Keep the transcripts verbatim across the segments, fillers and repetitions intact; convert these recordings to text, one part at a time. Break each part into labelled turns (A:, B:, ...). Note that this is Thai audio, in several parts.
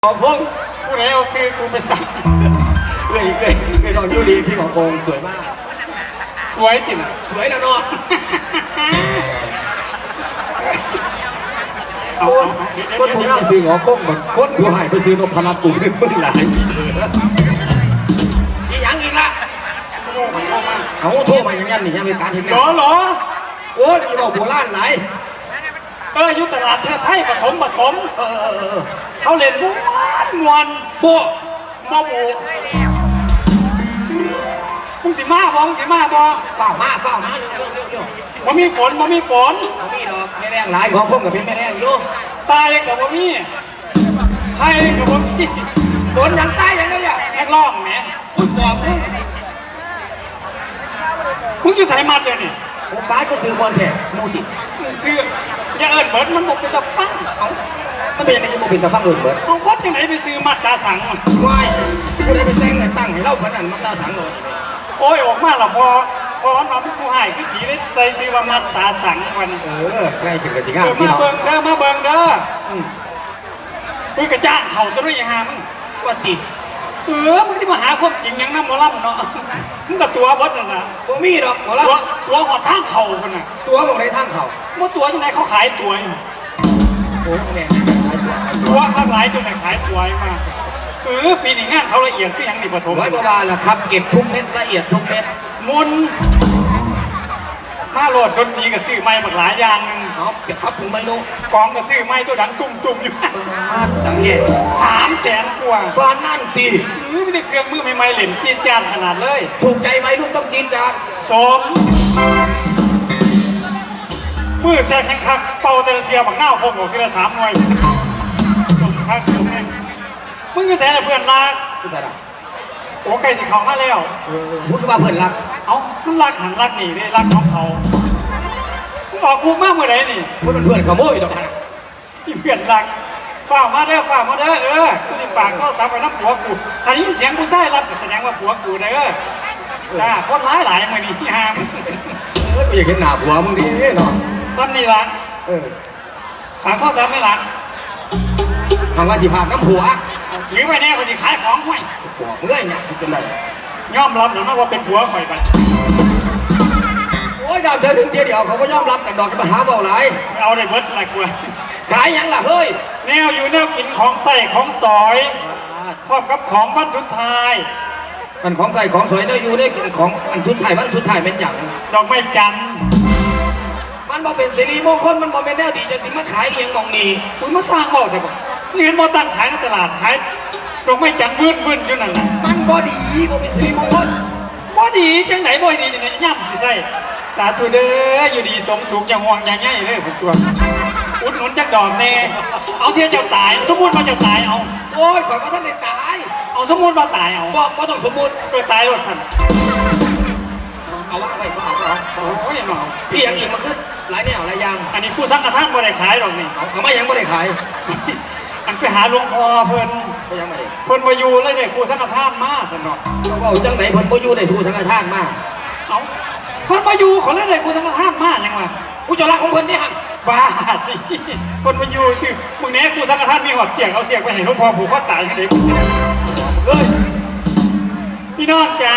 A: ขอคงผู้ใดเอาซื้อกูไปสั่งเอ้ยเอ้ยเอ้ยน้องยูดีพี่ของคงสวยมาก
B: สวยจริง
A: สวยแล้วเนาะคนผู้งามซื้อของคงแบบคนผู้หายไปซื้อนพนัทกูขึ้นเพิ่งหลายอีหยังอีกละ
B: โอ้มันโทษมาก
A: เอาโทษมาอย่างนั้นนี่ยังเป็นการเห็นไหม
B: หรอหรอ
A: โอ้ยอีบอกโบราณไหน
B: เออยุตลาดเธอไทยปฐมปฐม
A: เออเออเออ
B: เขาเล่นม้วนมวน
A: โบ
B: โมโบมึงสิมาบ่มึงสิมาบ่
A: เฝ้ามาเฝ้ามาเร็วเร็วเร็วเร็ว
B: บ่มีฝนบ่มีฝน
A: บ่มีดอกไม่แรงหลายของคงกับเป็นไม่แรงอยู่
B: ตายกับบ่มีให้กับบ่มี
A: ฝนยังตายอย่างนั้นเนี่ย
B: นักร้องแหม
A: อุ้ยบอกมึง
B: มึงอยู่สายมัดเดี๋ยวนี้
A: โอ้บ้านก็ซื้อบอลแท้มูดิ
B: ซื้ออย่าเอิญเบิร์ดมันบอกเป็นตะฟัง
A: เอามันเป็นยังไงยังบอกเป็นตะฟังเอิญเบิร์ด
B: เอาโคตรที่ไหนไปซื้อมัดตาสัง
A: ว้ายกูได้ไปแต่งให้ตั้งให้เล่าพนันมัดตาสังเลย
B: โอ้ยออกมาละพอพอน้องกูหายคือผีเลยใส่ซื้อว่ามัดตาสังวัน
A: เออใกล้ถึงกับสิงห์
B: มาเบิ่งเด้อมาเบิ่งเด้ออุ้ยกระจ้างเข่าตัวด้วยฮะมึง
A: ว่าติ
B: เออมึงที่มาหาความจริงยังน้ำมอลำเนาะมึงกับตัวบดน่ะนะ
A: ตัวมีดอกหมอล
B: ำตัวหอดทางเข่ากันน่ะ
A: ตัวบอกในทางเข่า
B: เมื่อตัวที่ไหนเขาขายตัวอยู่
A: โอ้คะแนน
B: ตัวข้างหลายจนไหนขายตัวมากเออปีนี้งานเขาละเอียดก็ยังนี่ปฐม
A: ร้อยกว่าบาทละครับเก็บทุกเม็ดละเอียดทุกเม็ด
B: มุนมาโหลดดนตรีกับซื้อไม้หมดหลายอย่างนึง
A: เนาะเก็บพับถึงไม้นู
B: กองกับซื้อไม้ตัวดังตุ่มตุ่มอยู่
A: ดังเฮ่
B: สามแสนกว่า
A: บ้านนั่นตี
B: ไม่ได้เครื่องมือใหม่ๆเหล่นจีนจานขนาดเลย
A: ถูกใจไหมลูกต้องจีนจาน
B: สมมือแซ่แข็งคักเป่าแต่ละเทียบักหน้าพงออกทีละสามหน่วยสมคักสมแน่มึงจะแซ่เพื่อนรัก
A: ไม่ใช่หรอ
B: โอ้ไก่สีเขามาแล้ว
A: เออมึงคือว่าเพื่อนรัก
B: เอ้ามันรักหันรักหนีได้รักของเขามึงออกคุกมากเมื่อไรนี่
A: มันเป็นเพื่อนขโมยดอกนะ
B: อีเพื่อนรักฝากมาเด้อฝากมาเด้อเออที่ฝากข้อสามไปน้ำผัวกูถ้ายินเสียงกูใส่รับแสดงว่าผัวกูเด้อจ้าโคตรร้ายหลายมือนี้ฮะ
A: เออกูอยากเห็นหน้าผัวมึงดิเนาะ
B: ซ้ำนี่ละ
A: เออ
B: ฝากข้อสามไม่ละ
A: ทางว่าสิพาน้ำผัว
B: ถือไว้แน่คนที่ขายของห้วย
A: บอกเมื่อยเนี่ยเป็นไร
B: ยอมรับหรือไม่ว่าเป็นผัวข่อยไป
A: โอ้ยดาวเธอถึงเดียวเขาก็ยอมรับกันดอกมาหาเบาหลาย
B: เอาได้เบิร์ดอะไรกลัว
A: ขายยังล่ะเฮ้ย
B: แนวอยู่แนวกินของใส่ของสอยพร้อมกับของวันสุดท้าย
A: มันของใส่ของสวยเนี่ยอยู่ได้กินของอันสุดท้ายมันสุดท้ายเป็นอย่าง
B: ดอกไม้จันทร์
A: มันบ่เป็นสิริมงคลมันบ่เป็นแนวดีจะสิมาขายเองมองนี่
B: คุณมาสร้างเบาใช่ปะนี่เห็นบ่ตั้งขายในตลาดขายดอกไม้จันทร์วืดวืดอยู่นั่นแหละ
A: มันบ่ดีบ่เป็นสิริมงคล
B: บ่ดีจังไหนบ่ดีจังไหนย่ำสิใส่สาธุเด้ออยู่ดีสมสุขอย่างห่วงอย่างใหญ่เลยผมตัวอุดหนุนจักดอกแน่เอาเทียเจ้าตายสมมุติว่าเจ้าตายเอา
A: โอ้ยขอว่าท่านได้ตาย
B: เอาสมมุติว่าตายเอา
A: บอกบ่ต้องสมมุติ
B: ไปตายรถฉัน
A: เอาว่าไปบ่เอาบ่เอา
B: โอ้ยน้อง
A: อีหยังอีกมันคือหลายแนวหลายอย่าง
B: อันนี้คู่สังฆทานบ่ได้ขายหรอกนี่
A: เอาเอามายังบ่ได้ขาย
B: อันไปหาหลวงพ่อเพิ่น
A: ไปยังไง
B: เพิ่นมาอยู่เลยเนี่ยคู่สังฆทานมาสนอก
A: เอาจังไหนเพิ่นบ่อยู่ได้คู่สังฆทานมา
B: เอาเพิ่นมาอยู่เขาเลยได้คู่สังฆทานมายังวะ
A: กูจะรักของเพิ่นนี่หั่น
B: บ้าดิเพิ่นมาอยู่สิมึงแน่คู่สังฆทานมีหอดเสียงเอาเสียงไปให้หลวงพ่อผูกคอตายให้เด็ก
A: เอ้ย
B: พี่น้องจ๋า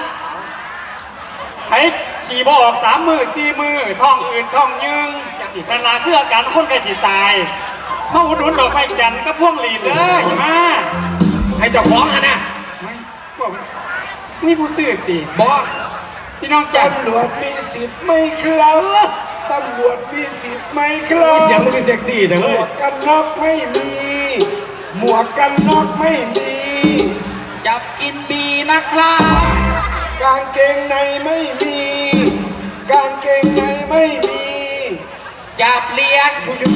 B: ไอ้ขี่บ่ออกสามมือสี่มือท้องอืดท้องยึงแต่ละคืออาการคนใกล้สิตายมาอุดหนุนดอกไม้จันทร์ก็พ่วงหลีดเลยมา
A: ให้เจ้าของอ่ะนะ
B: มีผู้ซื้อตี
A: บอก
B: พี่น้องจ๋า
C: ตำรวจมีสิทธิ์ไม่ครับตำรวจมีสิทธิ์ไม่ครับ
A: เสียงมันคือเซ็กซี่แต่
C: หมวกกันน็อกไม่มีหมวกกันน็อกไม่มี
B: จับกินบีนะครับ
C: กางเกงในไม่มีกางเกงในไม่มี
B: จับเลี้ยง
C: กูหยุด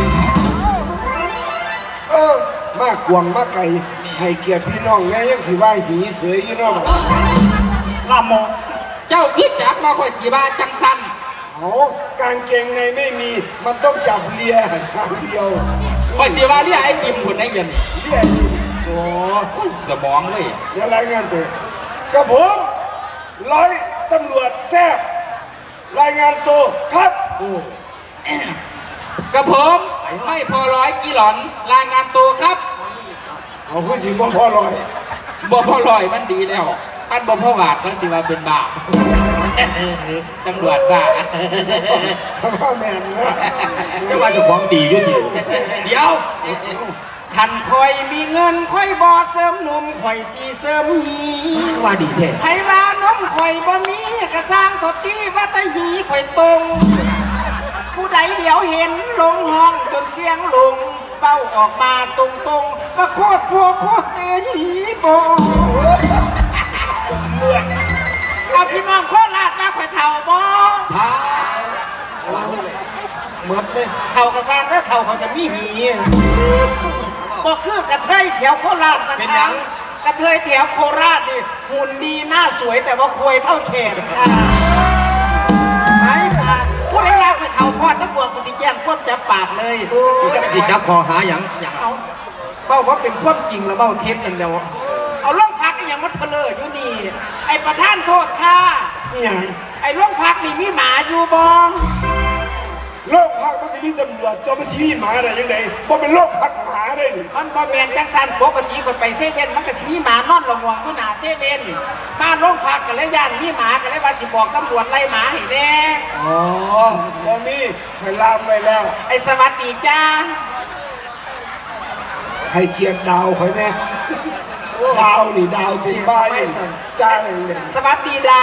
C: เออมากกวงมากไก่ให้เกียรติพี่น้องแน่ยังสิว่าหีเสือยี่น้อง
B: ลาโมเจ้าขึ้นจับมาคอยสีบาจังสัน
C: เอากางเกงในไม่มีมันต้องจับเลียทางเดียว
B: คอยสีบาที่ไอ้กิมคนได้เงิน
C: เลียโอ้
B: สมองเลย
C: เดี๋ยวรายงานตัวกับผมร้อยตำรวจแซ่บรายงานตัวครับโอ้
B: กับผมไม่พอร้อยกี่หลอนรายงานตัวครับ
C: เอาคือสิบ่พอลอย
D: บ่พ่อลอยมันดีแล้วท่านบ่พ่อบาทมันสิว่าเป็นบาปตำรวจบ้า
C: ทำว่าแม่นนะ
A: ไม่ว่าจะของดีอยู่ดีเดี๋ยว
E: ขันคอยมีเงินคอยบ่เสริมหนุ่มคอยสีเสริมหี
A: ว่าดีแท้
E: ไผว่านมคอยบ่มีกระสร้างทดที่ว่าแตะหีคอยตรง ผู้ใดเดี๋ยวเห็นลงห้องจนเสียงลงเป้าออกมาตรงๆมาโคตรพัวโคตรเอหีบ่
C: เลือด
E: เอาพี่น้องโคตรลาดมาคอยเท่าบ่
A: ท้าว่าเพิ่นเลย
E: หมดเลยเท่ากระสร้างก็เท่าเขาจะมีหีบ่คือกระเทยแถวโคราชนะคะกระเทยแถวโคราชนี่หุ่นดีหน้าสวยแต่ว่าควยเท่าแขนค่ะไม่ผ่านผู้ใดว่าคอยเท่าพอดตำรวจกูที่แจ้งควบจับปากเลย
A: โอ้ยจะไปติดจับคอหาหยังหยัง
E: เอาเบ้าว่าเป็นความจริงแล้วเบ้าเท็จนั่นเดียวเอาล่องพักก็ยังมาเถลออยู่นี่ไอ้ประธานโทษค่ะ
C: นี่หยัง
E: ไอ้ล่องพักนี่มีหมาอยู่บ่
C: โรคพักมันก็มีตำรวจเจ้าหน้าที่หมาได้ยังไงบ่เป็นโรคพักหมาได้นี่
E: มันบ่แมนจังสันปกติคนไปเซเว่นมันก็สิมีหมานอนระวังอยู่หน้าเซเว่นบ้านโรงพักกันเลยย่านมีหมากันเลยว่าสิบอกตำรวจไล่หมาให้แน่
C: อ๋อบ่มีคอยลามไว้แล้ว
E: ไอ้สวัสดีจ้า
C: ให้เกียรติดาวคอยแน่ดาวนี่ดาวเต็มบ้านนี่จ้าอย่างเดียว
E: สวัสดีดาว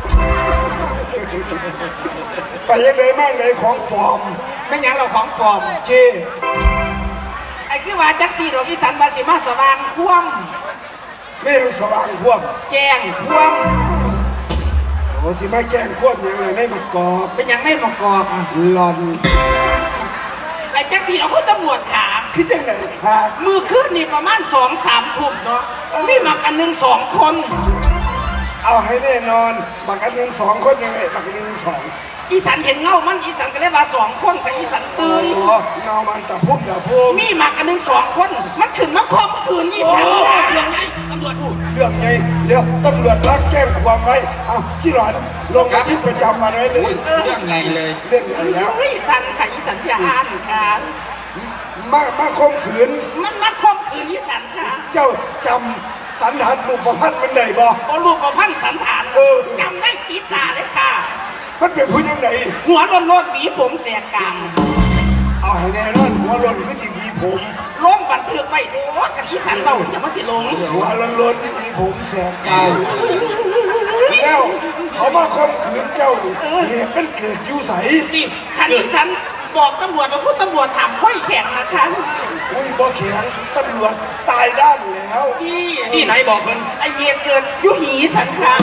C: ไปยังไงมากไหนของปลอม
E: ไม่หยังเราของปลอม
C: เจ
E: ไอ้คือว่าจักสีดอกอีสันว่าสิมาสว่างคว่ำ
C: ไม่ยังสว่างควบ
E: แจ้งคว่
C: โอ้สิมาแกล้งควบยังไงในมากอบ
E: ำเป็นหยังได้ประกอบ
C: หลอน
E: ไอ้จักสีเราคุณตำรวจถาม
C: คิดจังไหนคะ
E: มือขึ้นนี่ประมาณสองสามทุ่มเนาะมีหมักอันหนึ่งสองคน
C: เอาให้แน่นอนบักอันหนึ่งสองคนยังไงบักอันหนึ่งสอง
E: อีสันเห็นเงามันอีสันก็เลยว่าสองคนค่ะอีสันตื่น
C: อ๋อเงามันตะพุ่มตะพุ่ม
E: มีหมักอันหนึ่งสองคน มันขึ้นมาคมคืนอีสันเรื่องไงตำรวจพูด
C: เรื่องไงเดี๋ยวตำรวจรับแจ้งความไว้เอาที่หลอนลงบันทึกประจำวันไว้เลย
D: เรื่องไงเลย
C: เรื่องใหญ่แล้ว
E: เฮ้ยสันค่ะอีสันจะอ่านค่ะ
C: มามาคมขืน
E: มันมาคมคืนอีสันค่ะ
C: เจ้าจำสันทัดรูปประพันธ์มันได้บ่
E: โอลูกกับพันสันฐาน
C: เออ
E: จำได้ติดตาเลยค่ะ
C: มันเป็นผู้ยังไง
E: หัวโลนโลนหวีผมแสกกลาง
C: เอาให้แน่นอนหัวหล่นก็จริงมีผม
E: ลงบันทึกไว้โอ้กันอีสันเบาอย่ามาสิลง
C: หัวหล่นหล่นมีผมแสบกายแล้วเขามาคมขืนเจ้านี่เหตุมันเกิดอยู่ไส
E: นี่คันอีสันบอกตำรวจว่าพูดตำรวจถามห้อยแข็งนะคะ
C: อุ้ยบ่แข็งตำรวจตายด้านแล้ว
E: ที่
A: ที่ไหนบอกเพิ่น
E: ไอเหตุเกิดอยุหีสันค่ะ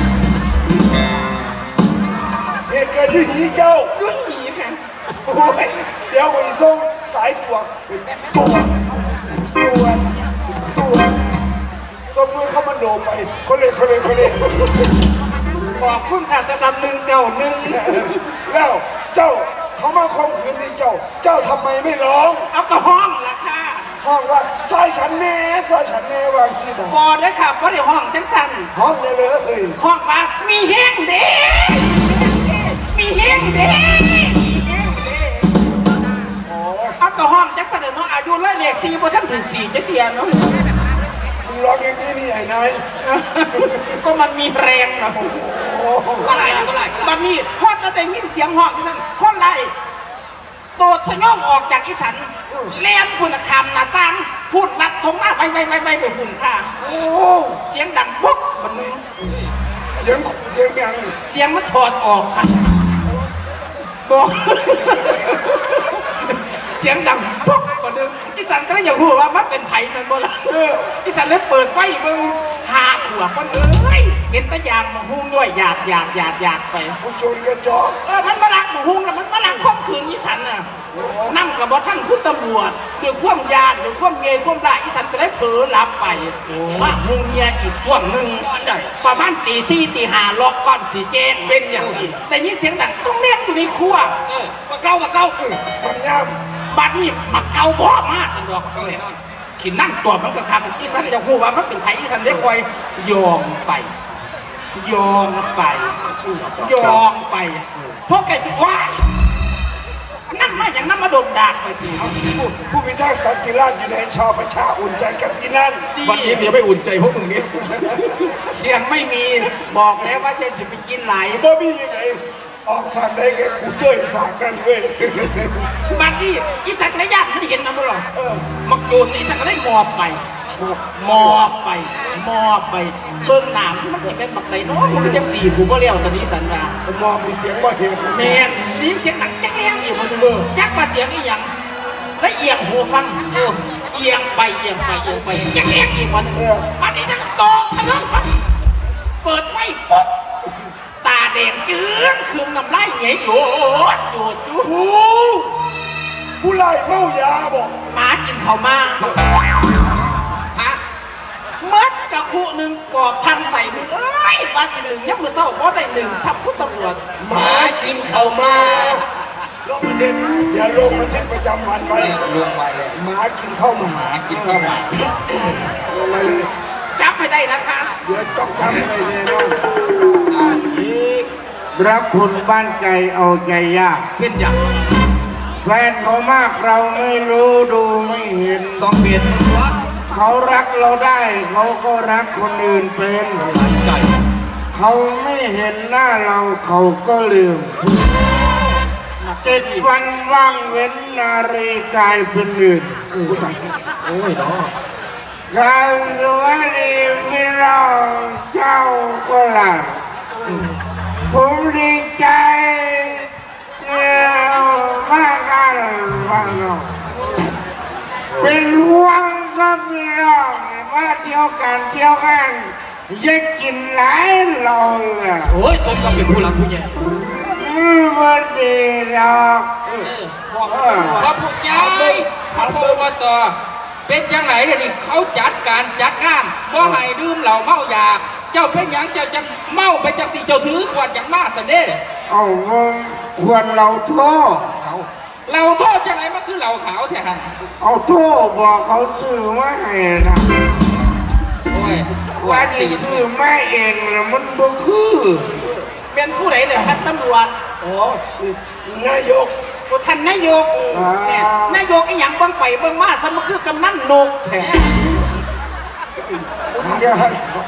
C: เหตุเกิดที่หีเจ้า
E: อยุหีค่ะ
C: โอ้ยเดี๋ยวไปส่งสายตรวจตัวตัวตัวส่งมือเข้ามันโดไปคนเลยคนเลยคนเลย
E: ขอบคุณค่ะสำหรับหนึ่งเก่าหนึ่ง
C: แล้วเจ้าเขามาข่มขืนนี่เจ้า เจ้าทำไมไม่ร้อง
E: เอากระห้องละค่ะ
C: ห้องว่าซอยฉันแน่ซอยฉันแน่ว่าขี้บอก
E: บอได้ค่ะเพราะเดี๋ยวห้องจังสัน
C: ห้องเนี่ยเลยเอ้ย
E: ห้องว่ามีแห้งเด้มีแห้งเด้
C: อ๋อ
E: เอากระห้องจังสันเดี๋ยวเนาะอายุเลยเลขสี่พอท่านถึงสี่จะเทียนเนาะ
C: มึงร้องอย่างนี้นี่ไอ้นาย
E: ก็มันมีแรงนะ
C: โอ้
E: ก็ไรก็ไรมันนี่พอจะได้ยินเสียงห้องอีสันคนไรโดดสยองออกจากอีสันเลี้ยนคุณคำหน้าต่างพูดลัดทงหน้าไปไปไปไปไปหุ่นค่ะโอ้เสียงดังปุ๊บบันนึง
C: เสียงเสียงยัง
E: เสียงมันถอดออกค่ะบอก เสียงดังปุ๊บบันนึงอีสันก็เลยอยากรู้ว่ามันเป็นไผ่มันบ่ล่ะ
C: เออ
E: อีสันเลยเปิดไฟเบิ่งหาขวบมันเอ้ยเห็นแตะยางมาหุ้มด้วยหยาดหยาดหยาดหยาดไป
C: ผู้ชนกระจอก
E: เออ มันมาลักมาหุงแล้วมันมาลักข่มขืนอีสันน่ะนั่งกับว่าท่านคุณตำรวจด้วยความยานด้วยความเงยความลายอีสันจะได้เผลอหลับไปมาหุงเมียอีกช่วงหนึ่งประมาณตีสี่ตีห้าล็อกก่อนสีแจ้งเป็นอย่างนี้แต่ยินเสียงดังต้องแนบอยู่ในครัวว่าเก้าว่าเก้า
C: มันย่
E: บัดนี้มาเก้าบ่มาสันดอกเก้าแน่นอนขีนั่งตัวมันก็คักอีสันจะพูดว่ามันเป็นไผอีสันได้คอยยองไปยองไปยองไปพวกแกจะว้ายนั่งมาอย่างนั้นมาโดนดากไปที
C: เอาผู้ผู้พิทักษ์สันติราษฎร์อยู่ในชาวประชาอุ่นใจกันที่นั่น
A: วันนี้เดี๋ยวไม่อุ่นใจพวกมึงนี่
E: เสียงไม่มีบอกแล้วว่าจะจะไปกินไหล
C: บ่มียังไงออกสามได้ไงกูเจ้ยสามนั่นเว้ย
E: บัดนี้อีสักระยะไม่เห็นมันบ่หรอ
C: เออ
E: มักโจรอีสักก็เลยมอบไปมอบไปมอบไปเบิ่งหนามมันสิเป็นบักไดเนาะมันจังสี่กูบ่เลี้ยวจะนี้สันดาม
C: องมีเสียงว่าเห็น
E: แม่นได้ยินเสียงดังแจ๊กแรงอีกบ่ดูจักมาเสียงอีหยังแล้วเอียงหูฟังโอ้เอียงไปเอียงไปเอียงไปแจ๊กแรงอีกวันนึงบัดนี้จะโตทะลึ่งไปเปิดไฟปุ๊บตาแดงจืดเครื่องน้ำลายไหลโยดโยดอยู่หู
C: ผู้ไล่เมายาบอก
E: หมากินข้าวมาฮะเมื่อกะคุหนึ่งปอบทันใส่มึงเอ้ยบาสิหนึ่งยังมือเศร้าเพราะได้หนึ่งสับพุทธตำรวจ
C: หมากินเข้ามาลงบันทึกเดี๋ยวลงบันทึกประจำวันไว้
D: ลงไปเลย
C: หมากินเข้ามา
D: หากินข้าวหมา
C: ลงไปเลย
E: จับให้ได้นะคะ
C: เดี๋ยวต้องทำอะไรแน่นอน
F: รักคุณบ้านไกลเอาใจยาก
A: เป็นอย่าง
F: แฟนเขามากเราไม่รู้ดูไม่เห็น
A: สองเปลี่ยนมึงวะ
F: เขารักเราได้ เขาก็รักคนอื่นเป็น
A: หลายใจ
F: เขาไม่เห็นหน้าเราเขาก็ลืมเจ็ดวันว่างเว้นนารีกลายเป็นอื่น
A: โอ้ยเนาะ
F: กายสวัสดีพี่เราเจ้าก็หลับผมดีใจเกี่ยวมากกันบ้างเนาะเป็นห่วงกับพี่น้องมาเที่ยวกันเที่ยวกันอยากกินหลายเราเลย
A: โอ้ยสมกับเป็นผู้หลักผู้ใหญ่
F: อืมวันดีดอก
A: เออ
E: บอก
F: เอ
E: ว่า
F: อ
D: พอผู้ใหญ่พอผู้ว่าต่อเป็นจังไหนเดี๋ยวนี้เขาจัดการจัดงานบ่ให้ดื่มเหล้าเมายาเจ้าเป็นหยังเจ้าจะเมาไปจังสิเจ้าถือขวดอย่างมาสันเด้
F: เอามึงควรเราโทษ
D: เอาเราโทษจังไหนมันคือเหล้าขาวแท้หัน
F: เอาโทษบอกเขาซื้อมาให้นะ
D: โอ้ย
F: ว่าที่ซื้อมาเองนะมันบ่คือ
E: เป็นผู้ใดเลยท่านตำรวจ
C: อ๋อนี่นายก
E: ผู้ท่านนายกเนี่ยนายกไอ้หยังเบิ่งไปเบิ่งมาสมคือกำนันนกแท้
F: เดี๋ยว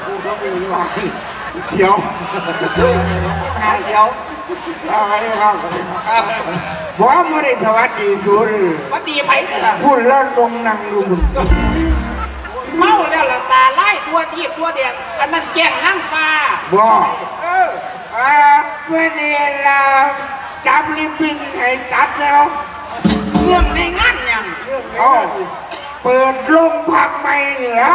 F: เสียว
E: หาเสียว
F: อะไรครับ
D: ครับ
F: บอกไม่ได้สวัสดีสุด
E: ว่าตีไผสิล่ะ
F: พูดแล้วลงนั่งดูคุณ
E: เมาแล้วละตาไล่ตัวทีบตัวเดียดอันนั้นแจ้งนั่งฟ้า
F: บอก
E: เออ
F: อ่าเมื่อนี้เราจับลิบบินให้ตัดแล้ว
E: เรื่องในงานหยัง
C: เรื่องนี้
F: เอา
C: นี่
F: เปิดโรงพักใหม่นี่แล้ว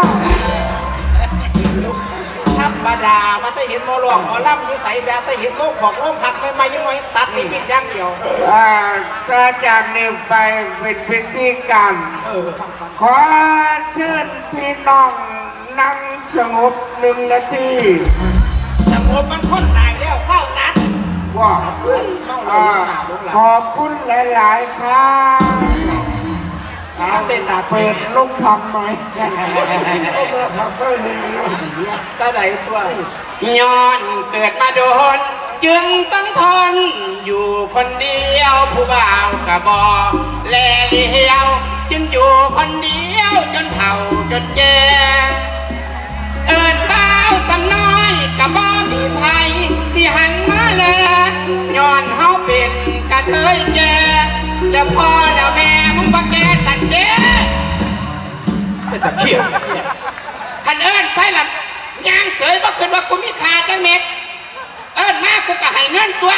E: ธรรมดามาแต่เห็นหมอหลอกหมอล่ำอยู่ใส่แบบแต่เห็นโลกของโลกผักไม่ไม่ยังไงตัดนี่ปิดอย่างเดียว
F: อ่าถ้าจากนี้ไปเป็นพิธีการ
E: เออฟังฟัง
F: ขอเชิญพี่น้องนั่งสงบหนึ่งนาที
E: สมมติมันคนตายแล้วเฝ้าตัด
F: ว่า
E: เฮ้ยเมาแล้ว
F: อ่า
E: หนาลูกหลาน
F: ขอบคุณหลาย ๆ ครับ
E: เอาเต้นตา
F: เปิดโรงพักใหม่
C: ก็มาขับบ้านนี่นะ
E: ตาไหนตัว
D: ย้อนเกิดมาโดน จึงต้องทน อยู่คนเดียวผู้บ่าวกะบอแลเลี้ยว จึงอยู่คนเดียวจนเฒ่าจนแก่เอิญบ่าวสำน้อยกะบ่มีไผสิหันมาแลย้อนเฮาเป็นกะเทยแก่แล้วพ่อแล้วแม่มึงบ่แก่สันเด้
A: เป็นตะเขียบ
D: คันเอิญใส่ละยางเสยบ่คืนว่ากูมีค่าจังเม็ด เอิญมากูก็ให้เงินตัว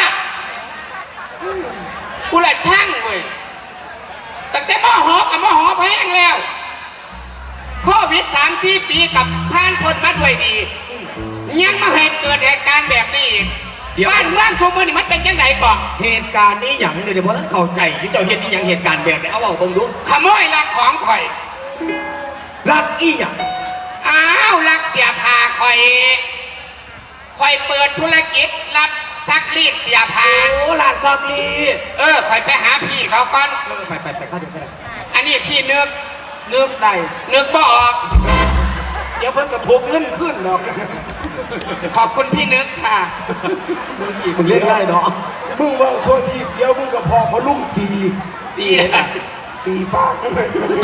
D: กูละช่างเว้ยแต่แต่มอหอกับมอหอแพงแล้วโควิดสามสี่ปีกับผ่านพ้นมาด้วยดี ยังมาให้เกิดเหตุการณ์แบบนี้อีกบ้านเมืองชั่วมือนี่มันเป็นยังไงก่อน
A: เหตุการณ์นี้อย่างเดียวเพราะนั้นเข้าใจที่เจ้าเห็นนี่อย่างเหตุการณ์แบบไหนเอาเอาเบิ่งดู
D: ขโมยลักของข่อย
A: รักอีหยัง
D: อ้าวลักเสียผ้าข่อยข่อยเปิดธุรกิจรับซักรีดเสียผ้า
A: โอ้หลานซักลี
D: เออข่อยไปหาพี่เขาก่อน
A: เออไปไปไปเข้าเดี๋ยวก็ได้
D: อันนี้พี่นึก
E: นึกได้
D: นึกบ่ออก
E: เดี๋ยวเพิ่นกระทุกเงินขึ้นหรอก
D: ขอบคุณพี่นึกค่ะ
A: มึงเล่นได้เนาะ
C: เอมึงว่าทั่วทีเดียวมึงก็พอพอลุ่งตี
A: ดีเลยนะ
C: ตีปากนั่นเลย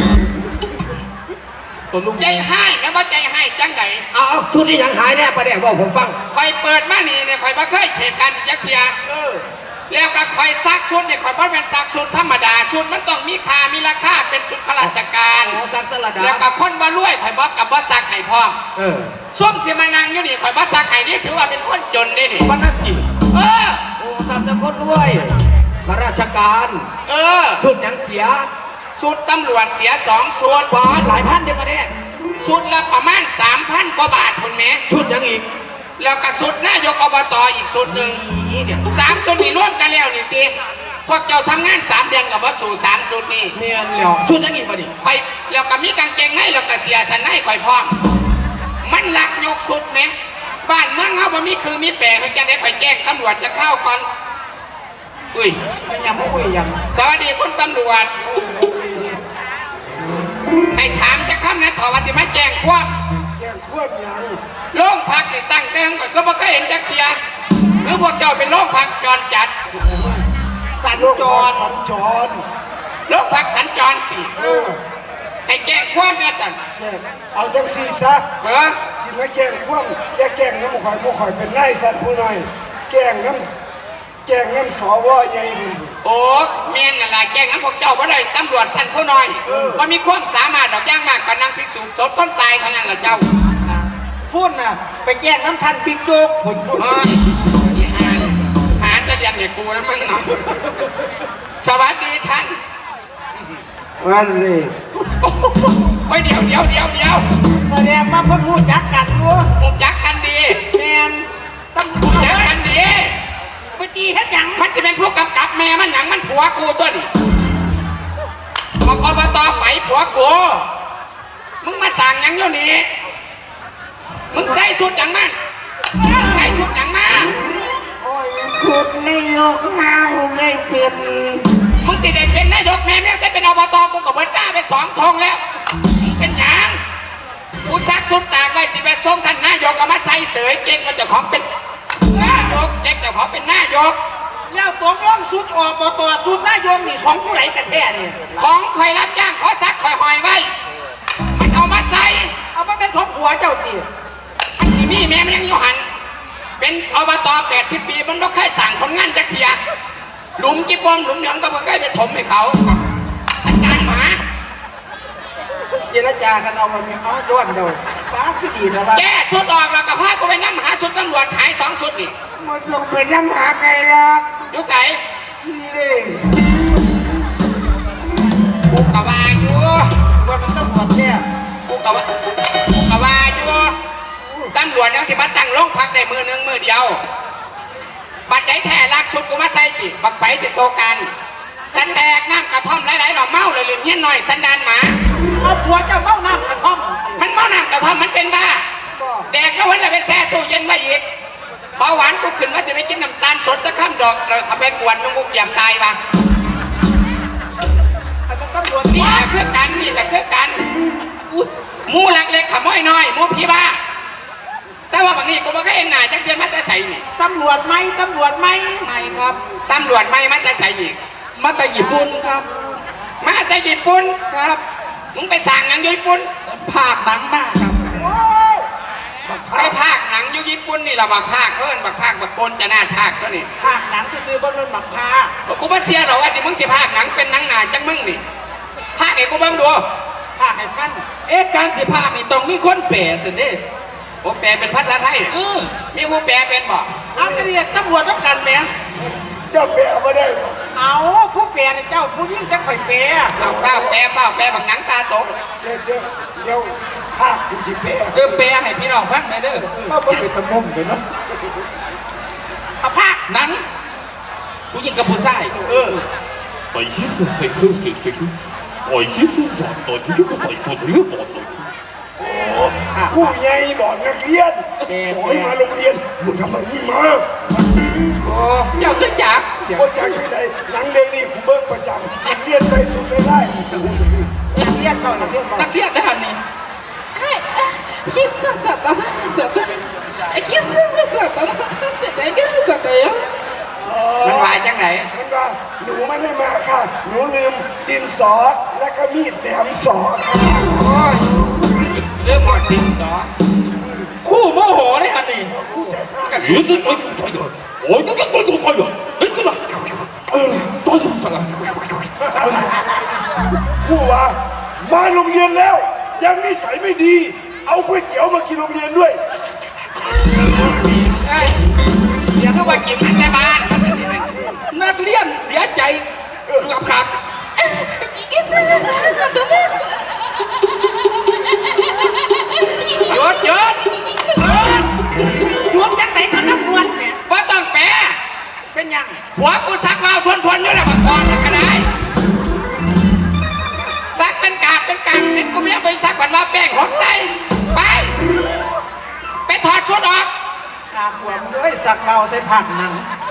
A: ตัวลุง
D: ใจให้แล้วว่าใจให้จังไหน
A: เอาเอาชุดนี้ยังหายแน่ประเดี๋ยวบอกผมฟัง
D: คอยเปิดมานี่เนี่ยคอยบ่เคยเทกันยักเทียเออแล้วก็คอยซักชุดเนี่ยคอยบ่เป็นซักชุดธรรมดาชุดมันต้องมีค่ามีราคาเป็นชุดข้าราชการ
A: โอ้สักตลาด
D: แล้วก็คนบ่รวยคอยบ่กับบ่ซักให้พร้อม
A: เออ
D: ส้มที่มานั่งอยู่นี่คอยบ่ซักให้นี่ถือว่าเป็นคนจนได้นี่
A: วันนั้นจี
D: เออ
A: โอ้สักจะคนรวยข้าราชการ
D: เออ
A: ชุดยังเสีย
D: ชุดตำรวจเสียสองชุด
A: บาทหลายพันเดียวประเดี๋ยว
D: ชุดละประมาณสามพันกว่าบาทคุณแม่
A: ชุดยังอีก
D: แล้วก็ชุดนายกอบตอีกชุดหนึ่ง
A: นี่เนี่ย
D: สามชุดนี่ร่วมกันแล้วนี่ตีพวกเจ้าทำงานสามเดือนกับวัสู่สามชุดนี่
A: เมียนแล้วชุดยังอีกประเดี๋ยว
D: คอยแล้วก็มีกางเกงให้แล้วก็เสียสันให้คอยพร้อม มันหลักยกชุดไหมบ้านเมืองเขาบ่มีคือมีแปลให้จังได้คอยแจ้งตำรวจจะเข้าก่อนอุ้ย
E: ไม่ยังไม่คุยยัง
D: สวัสดีคุณตำรวจให้ถามจะข้ามนะถอวันที่มาแจ้งความ
C: แกงควบยัง
D: โรงพักนี่ตั้งแต่งก่อนก็บ่เคยเห็นจักเทียหรือพวกเจ้าเป็นโรงพักจรจัด สัญ
C: โรค
D: จร
C: สัญจร
D: โรงพักสัญจรติ
C: เออ
D: ให้แจ้งความนะสัน
C: แกงเอาจังสีซะ
D: เออ
C: ที่มาแกงควบอย่าแกงน้ำข่อยบ่ข่อยเป็นนายสัตว์ผู้น้อยแกงน้ำแกงน้ำสวใหญ่บุญ
D: โอ้แม่นน่ะล่ะแจ้งนั้นพวกเจ้าบ่ได้ตำรวจสั้นผู้น้อย
C: เออ
D: บ่มีความสามารถดอกย่างมากก็นั่งพิสูจน์ศพคนตายเท่านั้นล่ะเจ้า
E: พูดน่ะไปแจ้งน้ำทันบิ๊กโจ๊กผลพูด
D: เอออีหาหาจะเรียนให้กูแล้วมั้งเนาะสวัสดีท่าน
F: วันนี้
D: โอ้ยเดี๋ยวเดี๋ยวเดี๋ยวเดี๋ยว
E: แสดงว่าเพ่นพูดจักกันอยู่
D: มุกจักกันดี
E: แมนต้อง
D: จักกันดี
E: ไปตีเฮ็ดหยัง
D: มันจะเป็นผู้กำกับแม่มันหยังมันผัวกูตัวนี่บอกอบตไฝผัวกูมึงมาสั่งหยังอยู่นี่มึงใส่ชุดหยังมันใส่ชุดหยังมา
F: โอ้ยสุดในโลกห้าวได้เป็น
D: มึงสิได้เป็นนายกแม่แม่ได้เป็นอบตกูกับเบิร์ต้าไปสองทงแล้วเป็นหยังกูซักชุดตากไว้สิไปส่งท่านนายกเอามาใส่เสยเก่งมาเจ้าของเป็นนายกเจ๊กเจ้าของเป็นนายก
E: แล้วตัวร่องสุดออกบ่ตัวสุดนายมนี่ของผู้ใดกันแท้นี่
D: ของคอยรับจ้างขอซักคอยหอยไว้มันเอามาใส่
E: เอามาเป็นของผัวเจ้าตี
D: มันสิมีแม่มันยังอยู่หันเป็นอบตแปดสิบปีมันไม่เคยสั่งคนงานจักเทียหลุมจิบบอมหลุมเหลืองก็ไม่เคยไปถมให้เขาอาจารย์หมา
E: เจรจากันเอามาเอาย้อนเดียวป้าคือดีนะว่า
D: แก้สุดออกแล้วก็พากูไปนั่งหาสุดตำรวจหายสองสุดนี่
F: มันลงไปน้ำหาใครหรอก
D: อยู่ใส่
F: นี่เลย
D: กูกะว่าอยู่
E: ว่ามันต้องหมดเนี่ย
D: กูกะว่ากูกะว่าอยู่ตำรวจยังสิมาตั้งโรงพักได้มือหนึ่งมือเดียวบัดได้แท้ลักสุดกูมาใส่จิบักไปติดโตกันสันแตกน้ำกระท่อมหลายๆหน่อเมาเลยลืมเงี้ยหน่อยสันดานหมา
E: เอาผัวเจ้าเมาน้ำกระท่อม
D: มันเมาน้ำกระท่อมมันเป็นบ้า
E: ก็
D: แดกแล้ววันละไปแช่ตู้เย็นไว้อีกเบาหวานกูขึ้นว่าจะไปกินน้ำตาลสดจะข้ามดอกเลยขับไปกวนมึงกูเกี่ยมตายปะ
E: แต่ตำรวจ
D: นี่แหละเพื่อกันนี่แหละเพื่อกันอุ๊ยหมูหลักเล็กขโมยน้อยหมูพี่บ้าแต่ว่าบางทีกูบอกก็เอ็นหน่ายจังเจียนมาจะใส่นี่
E: ตำรวจไหมตำรวจไหม
D: ไม่ครับตำรวจไม่มาจะใส่อีก
B: มาแต่ญี่ปุ่นครับ
D: มาจะญี่ปุ่นครับมึงไปสั่งงานอยู่ญี่ปุ่น
B: ภาคหนังมากครับ
E: โอ้ย
D: ไปภาคหนังอยู่ญี่ปุ่นนี่เราบักภาคเพิ่นบักภาคบักโกนจะน่าภาคเท่านี้
E: ภาคหนังที่ซื้อบนรถบักพา
D: กูมาเสียหรอว่าที่มึงจะภาคหนังเป็นหนังหนาจังมึงนี่ภาคไอ้กูเบิ่งดู
E: ภาคให้ฟัง
B: เอ๊ะการสิภาคนี่ต้องมีคนแปลสิเด้
D: โอ้แปลเป็นภาษาไทย
B: เออ
D: มีผู้แปลเป็นบ่
E: เอากระเดียกตำรวจต้องกันไหม
C: เจ้าแปลมาได้บ่
E: เอาผู้เปลี่ยนเจ้าผู้ยิ่งจังข่อยเปลี่ย
D: เอาเป้าแปลเป้าแปลบักหนังตาตก
C: เดี๋ยวเดี๋ยวเดี๋ยวภาคกูสิแปล
B: เออแปลให้พี่น้องฟังหน่อยเด้อ
E: ก็บ่เป็นตะมุมไปเนาะเอาภาค
B: หนังผู้หญิงกับผู้ชาย
E: เออ
G: 第一次最初接的，第一次站在這個世界的一個度。
C: ผู้ใหญ่บอกนักเรียนบอกให้มาโรงเรียนมึงทำแบบนี้มา
D: โอ้เจ้าคือจัก
C: ว่าจากที่ไหนหนังเรื่องนี้กูเบิ้งประจำนักเรียนไปสุดไม่ได้
E: นักเรียนต่อนักเรียนต่อ
B: นักเรียนได้หันนี่
H: はい、あ、必殺サタナサタナ。え、必殺サタナサタナ。だけどだよ。
D: มันว่าจังไหน
C: มันว่าหนูไม่ได้มาค่ะ หนูลืมดินสอและก็มีดแหลมสอค่ะ
D: โอ้ยเรื่องหมดดินสอ
B: คู่โมโหได้ฮันนี่
C: กูใจห้า
G: 其实我有太阳，我这个我有太阳，哎个啦，哎呀，多少声啊！
C: กูว่ามาโรงเรียนแล้ว ยังนิสัยไม่ดี เอาก๋วยเตี๋ยวมากินโรงเรียนด้วย
D: เอ้ยเดี๋ยวก็ว่ากินมันในบ้าน
E: นักเรียนเสียใจเกือบขาด
H: 이게 사람 너는
D: หยุดหยุดหยุด
E: หยุดจังไหนกับนักบวชเนี่ย
D: ว่าต้องแปล
E: เป็นหยัง
D: ผัวกูซักมาทวนทวนๆอยู่แล้วบักกอนก็ได้ซักเป็นกาบเป็นกาบติดกูไม่เอาไปซักวันว่าแป้งหดใส่ไป ไปถอดชุดออก
E: อาขวมเลยสักเบาใส่ผักหนัง
D: เ